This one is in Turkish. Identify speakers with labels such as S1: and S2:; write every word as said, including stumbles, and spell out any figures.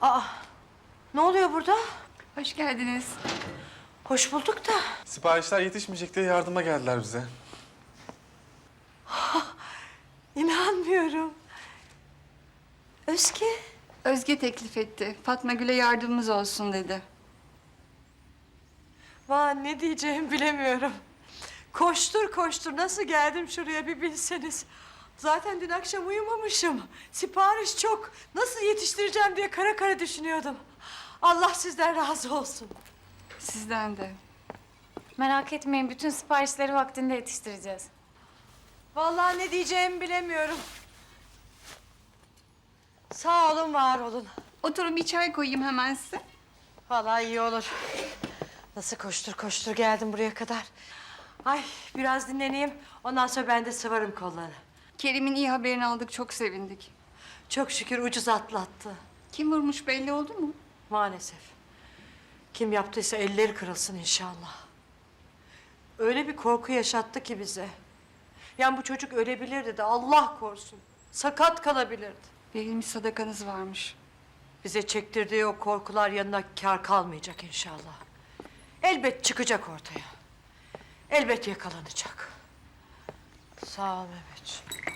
S1: Aa, ne oluyor burada?
S2: Hoş geldiniz.
S1: Hoş bulduk da.
S3: Siparişler yetişmeyecek diye yardıma geldiler bize.
S1: İnanmıyorum. Özge.
S2: Özge teklif etti. Fatma Gül'e yardımımız olsun dedi.
S1: Vah, ne diyeceğimi bilemiyorum. Koştur koştur nasıl geldim şuraya bir bilseniz. Zaten dün akşam uyumamışım. Sipariş çok. Nasıl yetiştireceğim diye kara kara düşünüyordum. Allah sizden razı olsun.
S2: Sizden de.
S4: Merak etmeyin, bütün siparişleri vaktinde yetiştireceğiz.
S1: Vallahi ne diyeceğimi bilemiyorum. Sağ olun, var olun.
S2: Oturun, bir çay koyayım hemen size.
S1: Vallahi iyi olur. Nasıl koştur koştur geldim buraya kadar. Ay, biraz dinleneyim. Ondan sonra ben de sıvarım kolları.
S2: Kerim'in iyi haberini aldık, çok sevindik.
S1: Çok şükür ucuz atlattı.
S2: Kim vurmuş belli oldu mu?
S1: Maalesef. Kim yaptıysa elleri kırılsın inşallah. Öyle bir korku yaşattı ki bize. Yani bu çocuk ölebilirdi de Allah korusun. Sakat kalabilirdi.
S2: Verilmiş sadakanız varmış.
S1: Bize çektirdiği o korkular yanına kâr kalmayacak inşallah. Elbet çıkacak ortaya. Elbet yakalanacak. Sağ ol Mehmetciğim.